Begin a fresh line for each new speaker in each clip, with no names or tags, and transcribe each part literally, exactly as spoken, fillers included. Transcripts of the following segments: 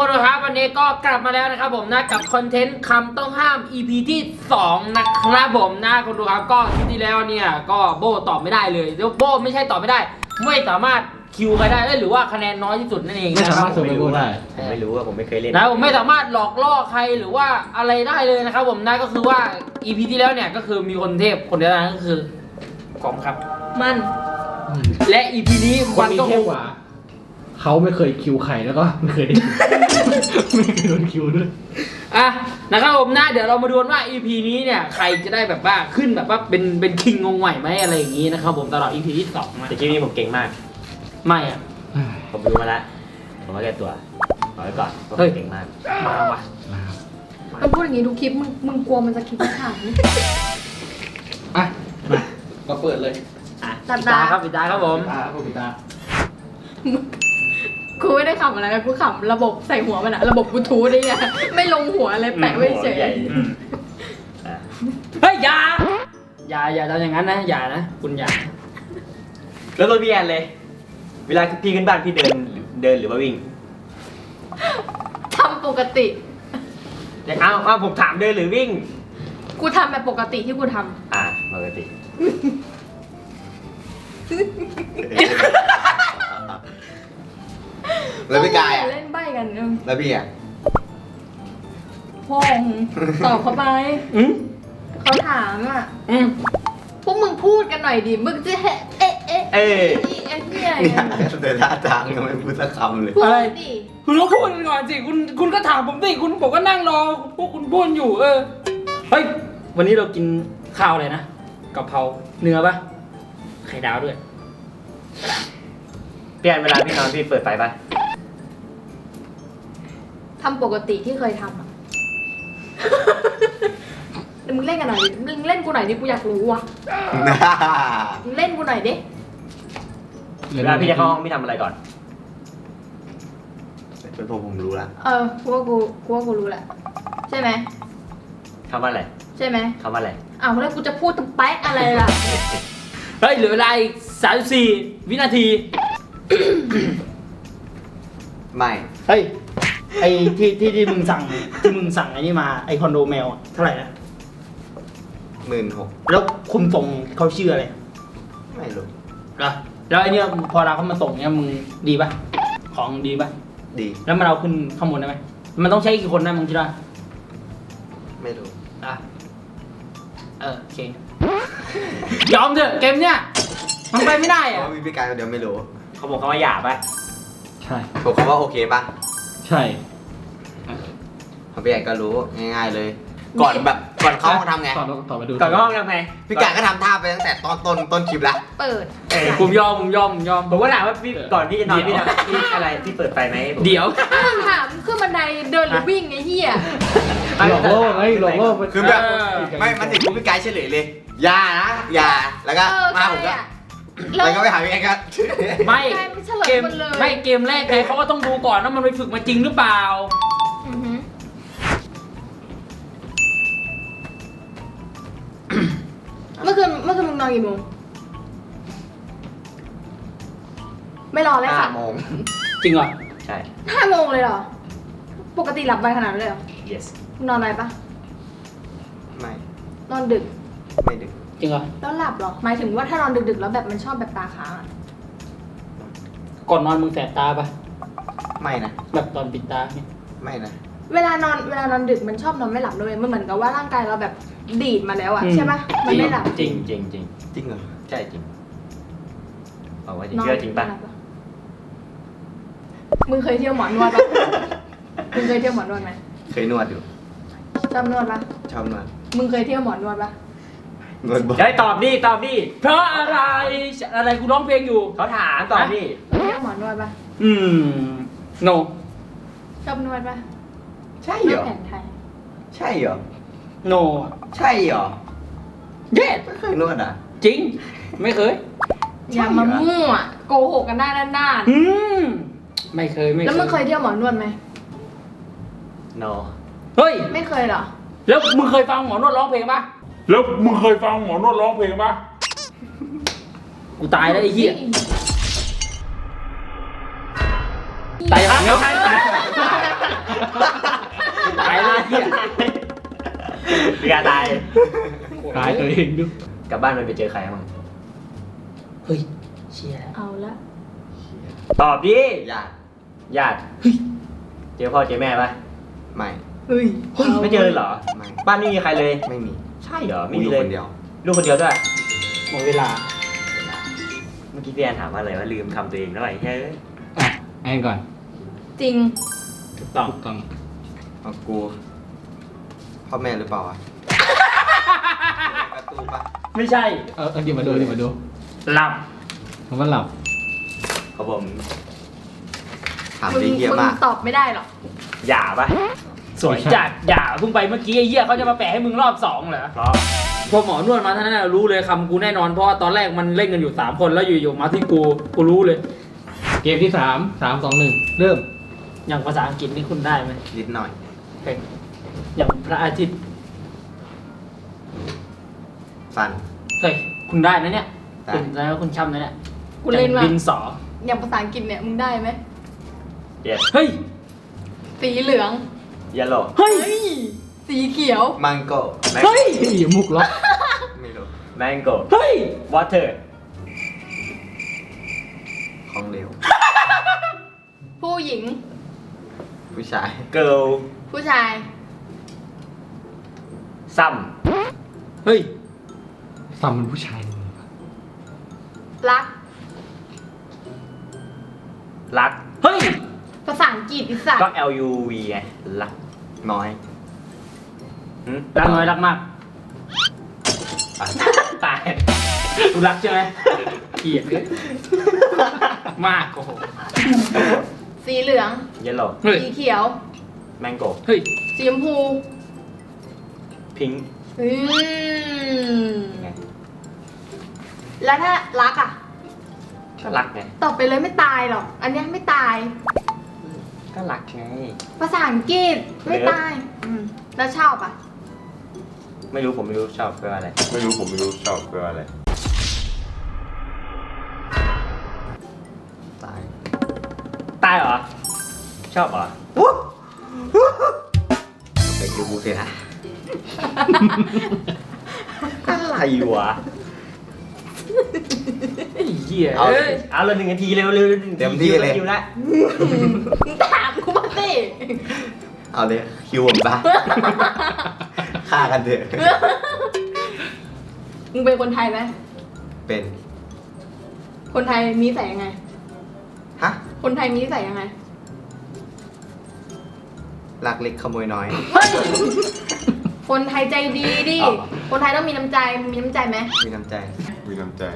คนดูครับวันนี้ก็กลับมาแล้วนะครับผมนะกับคอนเทนต์คำต้องห้าม อี พี ที่สองนะครับผมนะคนดูครับก็ที่แล้วเนี่ยก็โบตอบไม่ได้เลยแล้วโบไม่ใช่ตอบไม่ได้ไม่สามารถคิวใครได้หรือว่าคะแนนน้อยที่สุดนั่นเอง
ไม่
นะ
สา
ครั
มาร
บ
ถเซอร์ไวโอได้
ผมไม่รู้ว่าผมไม่เคยเล่น
นะผมไม่สามารถหลอกล่อใครหรือว่าอะไรได้เลยนะครับผมนะก็คือว่า อี พี ที่แล้วเนี่ยก็คือมีคนเทพคนเดียวนั้นก็คือผมครับ
มัน
และ อี พี นี้
คน
มัน
นี้
ก็ค
เท่
ง
กว่าเขาไม่เคยคิวใครแล้วก็ไม่เคยได้คิวไม่เคยโดนคิวด้วย
อ่ะนะครับผมนะเดี๋ยวเรามาดูกันว่า อี พี นี้เนี่ยใครจะได้แบบว่าขึ้นแบบว่าเป็นเป็นคิงงงใหม่ไหมอะไรอย่างนี้นะครับผมตลอด อี พี ที่สองนะ
แต่คลิปนี้ผมเก่งมาก
ไม่อ่ะ
ผมรู้มาแล้วผมก็แก้ตัวเอาไว้ก่อนผม
เฮ้ย
เก่งมาก
มาว่ะ
นะครับ
มันพูดอย่างนี้ทุกคลิปมึงมึงกลัวมันจะคลิปไม่ถ่าย
อ่ะมาก็เปิดเลย
อ่ะ
ตัด
ปิด
ตา
ตาครับปิดตาครับผม
ตาครับปิดตา
กูไม่ได้ขำอะไรนะกูขำระบบใส่หัวมันอะระบบบลูทูธนี่เนี่ยไม่ลงหัวเลยแปะไว้เฉย
ใหญ่
อืมเฮ้ยอย่าอย่าอย่าทำอย่างนั้นนะอย่านะคุณอย่า
แล้วรถพี่แอนเลย เวลาพี่ขึ้นบ้านพี่เดินเดินหรือว่าวิ่ง
ทำปกติ
อย่างอ้าวอ้าวผมถามเดินหรือวิ่ง
กูทำแบบปกติที่กูท
อ่าปกติ
ำ
แล้วพี่กายอ่ะ
เล่นใบกันเออ
แล้วพี่อ่ะ
พงตอบเขาไป
อืม
เขาถามอ่ะ
อืม
พวกมึงพูดกันหน่อยดิมึงจะเอะเอ๊ะเอ๊ะ
เอ้ย
เอ๊ะเนี่ย
เนี่ยแต่ท่าทางยังไม่พูดสักคำเลย
พูดดิ
คุณก็พูดกันก่อนสิคุณคุณก็ถามผมสิคุณผมก็นั่งรอพวกคุณพูดอยู่ เออเฮ้ยวันนี้เรากินข้าวอะไรนะกะเพราเนื้อปะไข่ดาวด้วย
พี่แอนเวลาพี่นอนพี่เปิดไฟปะ
ทำปกติที่เคยทำอ่ะ เดี๋ยวมึงเล่นกันหน่อยดิมึงเล่นกูหน่อยดิกูอยากรู้ว่ะมึงเล่นกูหน่อยดิ
เวลาพี่จะเข้าห้องพี่ทำอะไรก่อน
เป็นผมผมรู้ละ
เออกูว่ากูกูว่ากูรู้แหละใช่ไหม
คำว่าอะไร
ใช่ไหม
คำว่าอะไร
อ้าวแล้วกูจะพูดตรงแป๊กอะไรล่ะ
เฮ้ยเหลือเวลาอีกสามสิบสี่วินาที
ไม่
เฮ้ยไอ้ที่ที่ที่มึงสั่งที่มึงสั่งไอ้นี่มาไอ้คอนโดแมวอะเท่าไหร่นะ
หมื่นหก
แล้วคุณส่งเขาชื่ออะไร
ไม่รู้
เหรอแล้วไอ้เนี่ยพอเราเขามาส่งเนี่ยมึงดีปะของดีปะ
ดี
แล้วมันเอาขึ้นข้างบนได้ไหมมันต้องใช้กี่คนนะมึงคิดว่า
ไม่รู้
อ่ะเออโอเคยอมเถอะเกมเนี่ยมันไปไม่ได้
เพ
อะ
ราะว่ามีพี่กายคนเดียวไม่รู้
เขาบอกคำว่าหยาบปะ
ใช่
ผมคำว่าโอเคปะ
ใช่
ของพี่กายก็รู้ง่ายๆเลย ก่อนแบบก่อนเข้าห้องทำไง
ต่อต่อไปดู
ก่อนเข้าห้องทำไง
พี่กายก็ทำท่าไปตั้งแต่ตอนต้นต้นคลิปละ
เปิด
เอ้ย
ผมยอมผมยอมผมยอม
ผมก็ถามว่าพี่ก่อนที่จะนอนพี่ทำพี่อะไรพี่เปิดไฟไหมผม
เดี๋ยว
มึงถามขึ้นบันไดเดินหรือวิ่งไอ้เหี้ย
หลอกโลกไงหลอกโลก
คือแบบ
เออ
ไม่มันถึงพี่กายเฉลยเลยอย่านะอย่าแล้วก็
เออ
มา
ใช่
ผมก็
อะ
แล้วก็ไปหาพี่กายก็
ไม่
กลายเป็นเฉลย
เกม
หมดเลย
ไม่เกมแรกไงเขาก็ต้องดูก่อนว่ามันไปฝึกมาจริงหรือเปล่า
อือหือเมื่อคืนเมื่อคืนมึงนอนกี่โมงไม่รอเลย
ห้า
ค่ะ
โมง
จริงเหรอ
ใช่
ห้าโมงเลยเหรอ ปกติหลับไปขนาดนั้นเลยเหรอ
yes
มึงนอนอะไรปะ
ไม่
นอนดึก
ไม่ดึก
จริงเหรอ
แล้วหลับเหรอ หมายถึงว่าถ้านอนดึกๆแล้วแบบมันชอบแบบตาค้างอะ
ก่อนนอนมึงแสบตาปะ
ไม่นะ
แบบตอนปิดตาเนี่ย
ไม่นะ
เวลานอนเวลานอนดึกมันชอบนอนไม่หลับเลยมันเหมือนกับว่าร่างกายเราแบบดีดมาแล้วอะใช่ปะมันไม่หลับ
จริงจริงจริง
จริงเหรอ
ใช่จริงบอกว่าจริงเชื่อจริงปะ
นอนไม่หลับมึงเคยเที่ยวหมอนวดปะ มึงเคยเที่ยวหมอนวดไหม
เคยนวดอยู่
ชอบนวดปะ
ชอบนวด
มึงเคยเที่ยวหมอนวดปะ
นวดบ่อย
เฮ้ยตอบดิตอบดิ
เพราะอะไรอะไรกูร้องเพลงอยู่
เขาถามตอบดิ
เคยเที่ยวหมอนวดปะ
อืม no
ชอบนวดปะ
ใช่
น
เหร
วด
อ
แผนไทย
ใช่เหรอ
no
ใช่เหรอ
yes
ไม่เคยนวดอ่ะ
จริง ไม่เคย
อย่ามามั่วโกหกกันได้ด้าน
อืมไม่เคยไม่
ๆ
เคย
แล้วมึงเคยเที่ยวหมอนวดไหม
no
เฮ้ย
ไม่เคยเหรอ
แล้วมึงเคยฟังหมอนวดร้องเพลงปะ
แล้วมึงเคยฟังหมอนวดร้องเพลงปะ
กูตายแล้วไอ้เหี้ยตายยังไงตายเลยเหี้ย
พี่กาตาย
ตายตัวเองดู
กลับบ้านมันไปเจอใครบ้าง
เฮ้ยเชี่ยแล้ว
เอาละ
ตอบดิ
ญาติ
ญาติเจอพ่อเจอแม่ปะ
ไม่
เฮ้ย
ไม่เจอเลยเหรอ
ไม่
บ้านไม่มีใครเลย
ไม่มี
ใช่เหรอ ไม่
กู
มี
อยู่
เลย
คนเดียว
ลูกคนเดียวด้วย
หมดเวลา
เมื่อกี้พี่แอนถามว่าอะไรว่าลืมคำตัวเองแล้วไอ้เฮ้ย
อ่ะแอนก่อน
จริง
ถูกต้อง
ถูกต้อง
เอากูพ่อแม่หรือเปล่าวะประตูปะ
ไม่ใช่
เออเออเดี๋ยวมาดูเดี๋ยวมาดู
หลับ
คำว่าหลับ
ครับผม
ถาม
มึง
ดีเยี่ย
มึง
มาก
ตอบไม่ได้หรอก
หย่าปะ
สวยจัดอย่าเพิ่งไปเมื่อกี้ไอ้เหี้ยเขาจะมาแปะให้มึงรอบสองเหรอ
เพราะ
พอหมอนวดมาเท่านั้นนะรู้เลยคำกูแน่นอนเพราะว่าตอนแรกมันเล่นกันอยู่สามคนแล้วอยู่ๆมาที่กูกูรู้เลย
เกมที่สามสามสองหนึ่งเริ่ม
อย่างภาษาอังกฤษนี่คุณได้ไหม
นิดหน่อย
เฮ้ยอย่างพระอาทิตย์
สั้น
เฮ้ยคุณได้นะเนี่ย
ได้
คุณแล้วคุณช่ำนะเนี่ย
กูเล่น
อย่าง
ว่า
ดินสอ
อย่างภาษาอังกฤษเนี่ยมึงได้ไหม
เย็ด
เฮ้ย
สีเหลือง
เยลโล่
เฮ้ย
สีเขียว
มังโก
เฮ้ย
อย่ามุกล็อก
ไม่รู้
แมงโก้
เฮ้ย
วอเตอร์
ของเหลว
ผู้หญิง
ผู้ชาย
เกิร์ล
ผู้ชาย
ซัม
เฮ้ย
ซัมเป็นผู้ชายเลย
รัก
รัก
เฮ้ย
ภาษาอังกฤษอีสัต
ก็
ว์
L U V ไงรัก
น้อย
หึ
รักน้อยรักมาก
อ่ะ
ตายกูรักใช่ไหมเกลียดเลยมากโอ้โห
สีเหลือง
เยลโล่
เฮ้ย
สีเขียว
แมงโก้
เฮ้ย
สีชมพู
พิงค์
อืม
ไง
แล้วถ้ารักอ่ะ
ก็รักไง
ตอบไปเลยไม่ตายหรอก อันเนี้ยไม่ตาย
ก็รักไง
ภาษาอังกฤษไม่ตายอืมแล้วชอบอ่ะ
ไม่รู้ผมไม่รู้ชอบแปลว่าอะไร
ไม่รู้ผมไม่รู้ชอบแปลว่าอะไร
ตาย
ตายเหรอ ชอบเหรอ
ไปคิวบูเสียนะ
อะไรวะ
ไอ้เหี้ย
เอา
เอ้ย
เอาเลยหนึ่งนาทีเร็วเร็วหนึ่งนาที
เต็มที่เลย
คิวละ
มึงถามกูมาสิ
เอาเลยคิวผมปะฆ่ากันเถอะ
มึงเป็นคนไทยไหม
เป็น
คนไทยมีใส่ยังไง
ฮะ
คนไทยมีใส่ยังไง
ลักเล็กขโมยน้อย
คนไทยใจดีดิ
อ๋อ
คนไทยต้องมีน้ำใจ มีน้ำใจไหม
มีน้ำใจ
มีน้ำใจ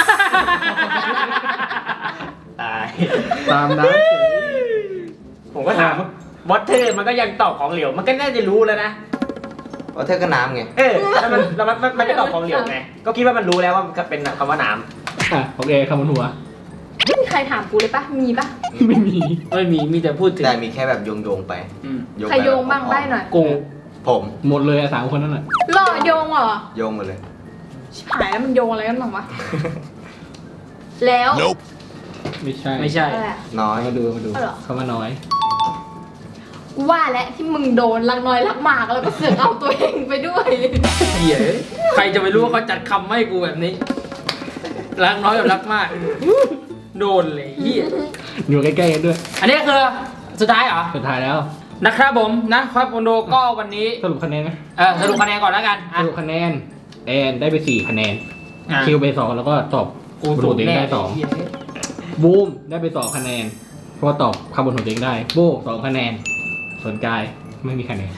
ตาย
ตามนั้น
ผมก็ถามวอเตอร์มันก็ยังตอบของเหลว มันก็น่าจะรู้แล้วนะ
ว่าเธอก็น้ำไง
เออแล้วมันแล้วมันมันมันจะตอบของเหลวไง ก็คิดว่ามันรู้แล้วว่ามันเป็นคำว่าน้
อ่ะโอเคคำบนหัว
ไม่มีใครถามกูเลยปะมีปะ
ไม่มี
ไม่มีมีแต่พูดถึง
แต่มีแค่แบบโยงโยงๆไป
อืม
โยง
ใครโยงบ้างได้หน่อย
กู
ผม
หมดเลยอะสามคนนั่นแหละ
หล่อโยงเหรอ
โยงหมดเลย
ชิบหายแล้วมันโยงอะไรกันบ้างวะ แล้ว
ไม่ใช่
ไม่ใช่
อะไรอะ
น้อย
มาดูมาดู
เอาเหรอ
คำว่าน้อย
กูว่าแล้วที่มึงโดนรักน้อยรักมากแล้วก็เสือกเอาตัวเองไปด้วย
เหี้ยใครจะไปรู้ว่าเขาจัดคำให้กูแบบนี้ รักน้อยกับรักมาก โดนเลยเหี้ย
อยู่ใกล้ๆกันด้วย
อันนี้คือสุดท้ายเหรอ
สุดท้ายแล้ว
นะครับผมนะครับคอนโดก็วันนี้
สรุปคะแนนไหม
เออสรุปคะแนนก่อนแล้วกัน
ส
อ่ะ
รุปคะแนนแอนได้ไปสี่คะแนน
อ่ะ
คิวไปสองแล้วก็ตอบ
กู
บน
สู
หั
ง
วตัวเอง
แน่
ได้สอง
เหี้ย
บูมได้ไปสองคะแนน เพราะว่าตอบคำบนหัวตัวเองได้ โบสองคะแนน ส่วนกายไม่มีคะแนน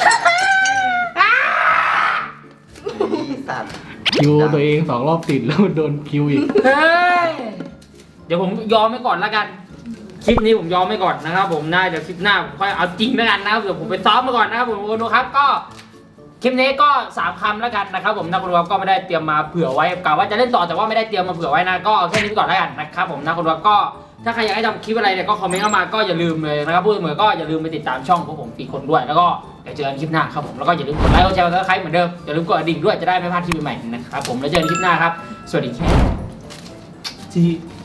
อีสัตว์
คิวตัวเองสองรอบติดแล้วโดนคิวอีก
เฮ้ยเดี๋ยวผมยอมไปก่อนแล้วกัน คลิปนี้ผมยอมไปก่อนนะครับผมน่าเดี๋ยวคลิปหน้าผมค่อยเอาจริงแล้วกันนะครับเดี๋ยวผมไปซ้อมมาก่อนนะครับผมคนดูครับก็คลิปนี้ก็สามคำแล้วกันนะครับผมนะคุณดูครับก็ไม่ได้เตรียมมาเผื่อไว้กะว่าจะเล่นต่อแต่ว่าไม่ได้เตรียมมาเผื่อไว้นะก็เอาแค่นี้ไปก่อนแล้วกันนะครับผมนะคุณดูครับก็ถ้าใครอยากให้ทำคลิปอะไรเนี่ยก็คอมเมนต์เข้ามาก็อย่าลืมเลยนะครับพูดเสมอก็อย่าลืมไปติดตามช่องของผมอีกคนด้วยแล้วก็เดี๋ยวเจอกันคลิปหน้าครับผมแล้วก็อย่าลืมกดไลค์กดแชร์กดซับสไครป์เหมือนเดิมอย่าลืมกดกระดิ่งด้วยจะได้ไม่พลาดคลิปใหม่ๆนะครับผมแล้วเจอกันคลิปหน้าครับสวัสดีครับที่